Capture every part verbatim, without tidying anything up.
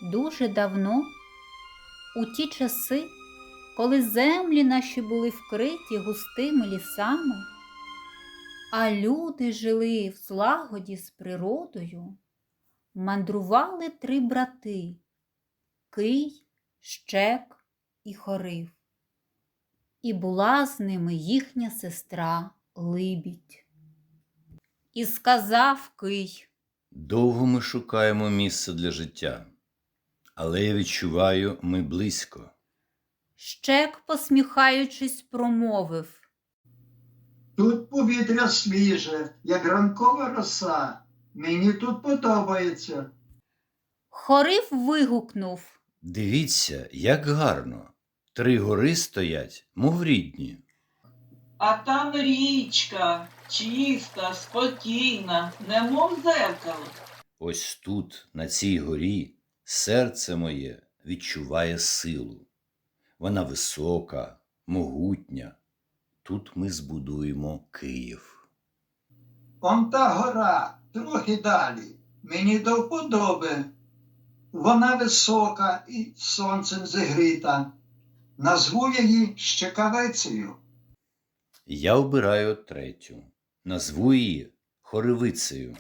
дуже давно, у ті часи, коли землі наші були вкриті густими лісами, а люди жили в злагоді з природою, мандрували три брати – Кий, Щек і Хорив. І була з ними їхня сестра Либідь. І сказав Кий: довго ми шукаємо місце для життя, але я відчуваю, ми близько. Щек, посміхаючись, промовив: Тут повітря свіже, як ранкова роса. Мені тут подобається. Хорив вигукнув: Дивіться, як гарно. Три гори стоять, мов рідні. А там річка, чиста, спокійна, немов дзеркало. Ось тут, на цій горі, серце моє відчуває силу. Вона висока, могутня. Тут ми збудуємо Київ. Он та гора, трохи далі. Мені до вподоби. Вона висока і сонцем зігріта. Назву її Щекавицею. Я обираю третю. Назву її Хоривицею.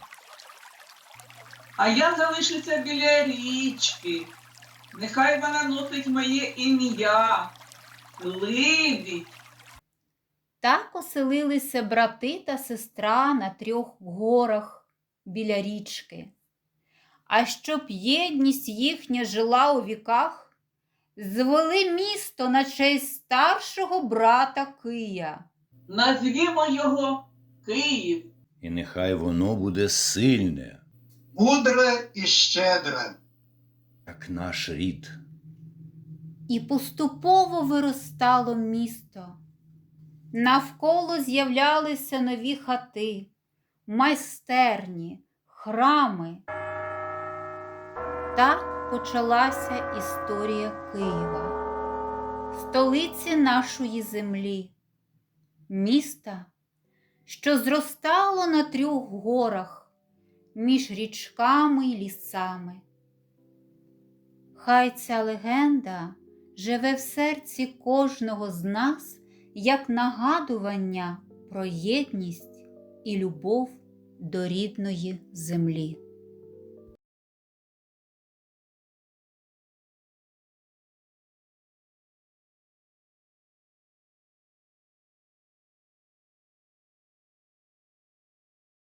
А я залишуся біля річки. Нехай вона носить моє ім'я – Либідь. Так оселилися брати та сестра на трьох горах біля річки. А щоб єдність їхня жила у віках, звели місто на честь старшого брата Кия. Назвімо його Київ. І нехай воно буде сильне, Мудре і щедре. як наш рід. І поступово виростало місто. Навколо з'являлися нові хати, майстерні, храми. Так почалася історія Києва, столиці нашої землі, міста, що зростало на трьох горах, між річками й лісами. Хай ця легенда живе в серці кожного з нас як нагадування про єдність і любов до рідної землі.